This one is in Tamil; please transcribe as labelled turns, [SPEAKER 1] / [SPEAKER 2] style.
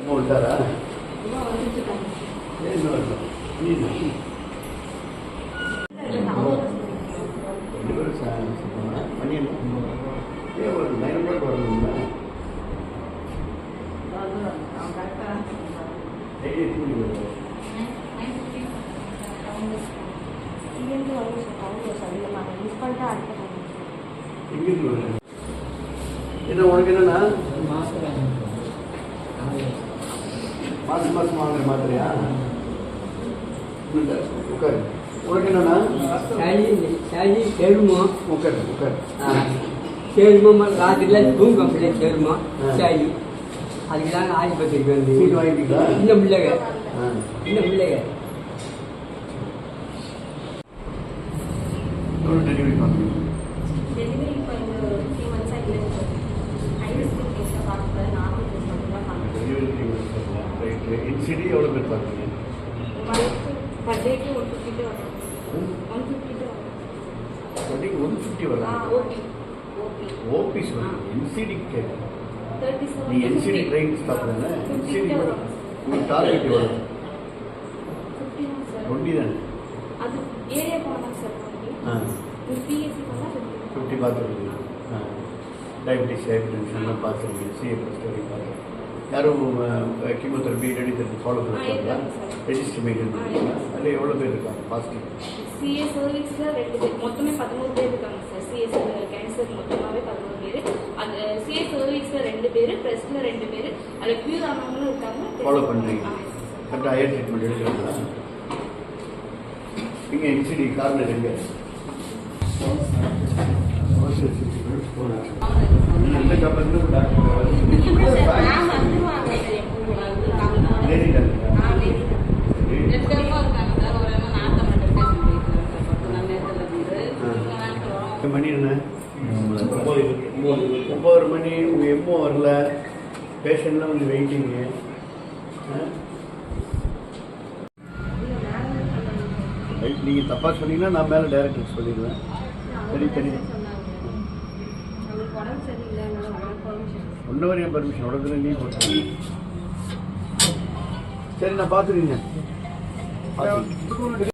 [SPEAKER 1] ఉంటారా என்ன உனக்கு என்னன்னா மாசம் மாசம் வாங்குற மாதிரியா உட்காரு உனக்கு என்னன்னா
[SPEAKER 2] சேருமா
[SPEAKER 1] உட்காரு உட்காரு
[SPEAKER 2] சேருமா ராத்திரில தூங்க பிள்ளை சேருமா சரி அதுக்கு தாங்க ஆஸ்பத்திரிக்கு வந்து
[SPEAKER 1] சீட் வாங்கிட்டீங்களா
[SPEAKER 2] இந்த பிள்ளைங்க இந்த பிள்ளைங்க
[SPEAKER 1] எவ்வளோ டெலிவரி பண்ணுறீங்க
[SPEAKER 3] டெலிவரி இப்போ இந்த 3 months ஆகி ஐஎஸ்பி கேஸில் பார்க்குறது நார்மல் கேஸ் மட்டும் தான் பண்ணுறேன்.
[SPEAKER 1] டெலிவரி 3 months ரைட்டு இன்சிடி எவ்வளோ பேர் பார்க்குறீங்க
[SPEAKER 3] பர் டேக்கு 150 வரும் 150 வரும்.
[SPEAKER 1] பர்டேக்கு 150 வரலாம்
[SPEAKER 3] ஓபி ஓபி
[SPEAKER 1] ஓபி சொல்லி இன்சிடி கேட்குறேன்
[SPEAKER 3] 37
[SPEAKER 1] நீ என்சிடி ட்ரெயின் ஸ்டாப் தானே என்சிடி உங்களுக்கு டார்கெட் எவ்வளோ
[SPEAKER 3] 50 தான் சார்.
[SPEAKER 1] 20 தானே
[SPEAKER 3] அது ஏரியா போனால் சார்
[SPEAKER 1] ஆ
[SPEAKER 3] பிஎஸ்சி போனால் 50.
[SPEAKER 1] 50 பார்த்துருக்கீங்க டயபிட்டிஸ் ஹைப்பர் டென்ஷன்லாம் பார்த்துருக்கீங்க சிஏ ப்ளஸ் பார்த்து யாரும் கீமோதெரபி ரெடிதெரபி ஃபாலோ பண்ணுறாங்களா ரெஜிஸ்டர் மெயின்டைன் பண்ணுறீங்களா அதில் எவ்வளோ பேர் இருக்காங்க பாசிட்டிவ்
[SPEAKER 3] சிஏ சர்வீஸில் 2 பேர் மொத்தமே 11 பேர் இருக்காங்க சார். சிஏ கேன்சர் மொத்தமாகவே 11 பேர். அது சிஏ சர்வீஸில் 2 பேர் ப்ரெஸ்ஸில் 2 பேர் அதில் க்யூர் ஆனவங்களும் இருக்காங்க.
[SPEAKER 1] ஃபாலோ பண்ணுறீங்க கரெக்டாக ஹையர் ட்ரீட்மெண்ட் எடுக்கிறீங்களா நீங்கள் என்சிடி கார்னர் எங்கே எந்த கம்பெனிலும் லேடி மணி என்ன 9 மணி உங்கள் எம்மோ வரல பேஷண்ட்லாம் வந்து வெயிட்டிங்கு நீங்கள் தப்பாக சொன்னீங்கன்னா நான் மேலே டைரக்டர் சொல்லிடுவேன் சரி சரி ஒன்றவர் என் பர்மிஷன் உடனே லீவ் போட்டேன் சரி நான் பார்த்துருக்கீங்க